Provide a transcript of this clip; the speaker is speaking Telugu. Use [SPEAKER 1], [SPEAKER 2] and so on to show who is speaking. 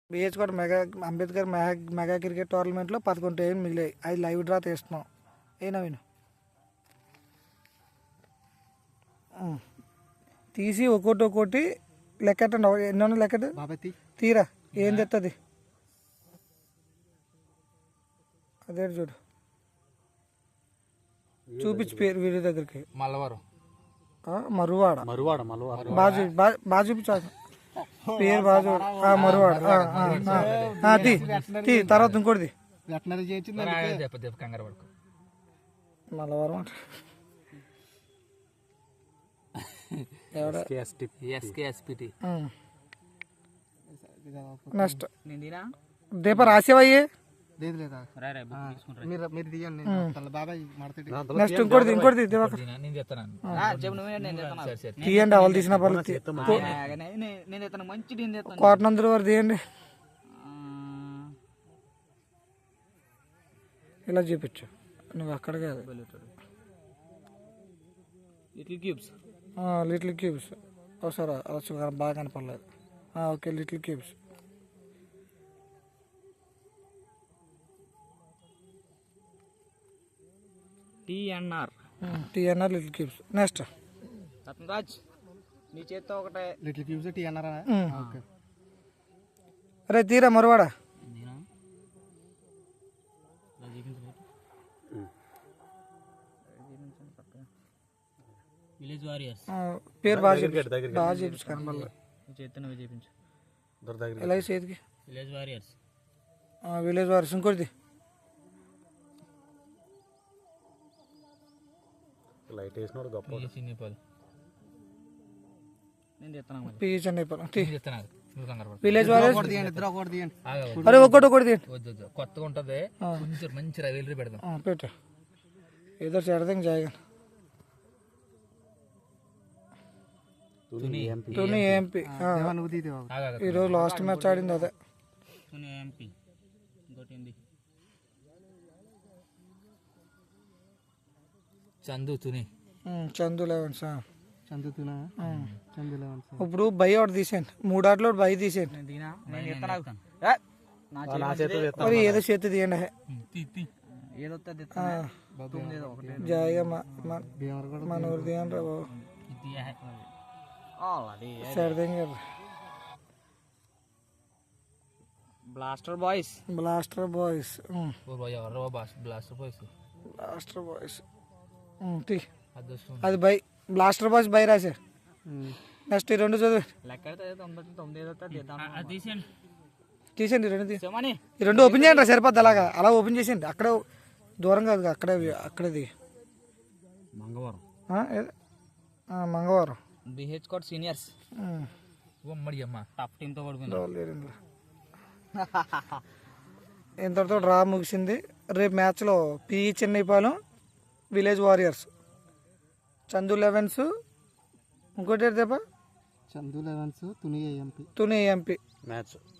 [SPEAKER 1] బిహెచ్ కూడా మెగా అంబేద్కర్ మెగా క్రికెట్ టోర్నమెంట్లో 11 టీంలు మిగిలాయి. అది లైవ్ డ్రా తీస్తున్నాం. ఏ నవీన్ తీసి ఒక్కోటి లెక్కట్టండి. ఎన్నో లెక్కటి తీరా ఏం తెస్తుంది అదే చూడు చూపించు పేరు వీడి దగ్గరికి. మరువాడ బాగా చూపించాలి పేరు బాగా మరువాడ. తీ తర్వాత ఇంకోటిది మల్లవరం నెక్స్ట్ దీప రాసేవయ్యే నెక్స్ట్ ఇంకోటి తీయండి. అవలు తీసిన పర్లేదు. కోటనందుల వారు తీయండి. ఇలా చూపించు నువ్వు అక్కడ కాదు. లిటిల్ క్యూబ్స్ ఒకసారి బాగా కనపడలేదు. Okay little cubes.
[SPEAKER 2] TNR
[SPEAKER 1] little cubes. Next
[SPEAKER 2] Raj నీ చేత్తో ఒకటే లిటిల్ క్యూబ్స్ టీఎన్ఆర్.
[SPEAKER 1] అరే తీరా మరువాడా
[SPEAKER 2] విలేజ్ వారియర్స్
[SPEAKER 1] పేరు బాగా చూపించు కనపడలేదు.
[SPEAKER 2] చూపించు
[SPEAKER 1] ఎలా చేతికి
[SPEAKER 2] విలేజ్ వారియర్స్.
[SPEAKER 1] Village warriors. ఇంకోటి
[SPEAKER 3] లైట్ వేసినాడు గొప్ప
[SPEAKER 1] విలేజ్ వారియర్స్. అరే ఒకటి
[SPEAKER 2] కొత్తగా ఉంటది. కొంచెం మంచి రవిలరీ పెడదాం.
[SPEAKER 1] పెట్టు ఏదో చెడదాం జాయిగా. తుని ఎంపీ ఈరోజు లాస్ట్ మ్యాచ్ ఆడింది అదే. చందు 11. ఇప్పుడు బై ఒకటి తీసేయండి. 3 ఆటలు బై తీసేయండి. మరి ఏదో చేతి తీయండి. జాయిగా మన ఊరు తీయండి రా బాబు.
[SPEAKER 2] బ్లాస్టర్ బాయ్స్
[SPEAKER 1] అది బై బ్లాస్టర్ బాయ్స్ బై రాసే. నెక్స్ట్ ఈ రెండు చదివి తీసేయండి. ఈ రెండు ఓపెన్ చేయండి రా సరిపోద్ది. అలా ఓపెన్ చేసేయండి. అక్కడే దూరం కాదు అక్కడది మంగళవారం.
[SPEAKER 2] బిహెచ్ కోట్ సీనియర్స్ టాప్ టీమ్ తో పడుకుంది.
[SPEAKER 1] ఇంతటితో డ్రా ముగిసింది. రేపు మ్యాచ్లో PE Chennaipalem village warriors, Chandu 11s ఇంకోటి దేపా
[SPEAKER 2] Chandu 11s Tuni AMP
[SPEAKER 1] match.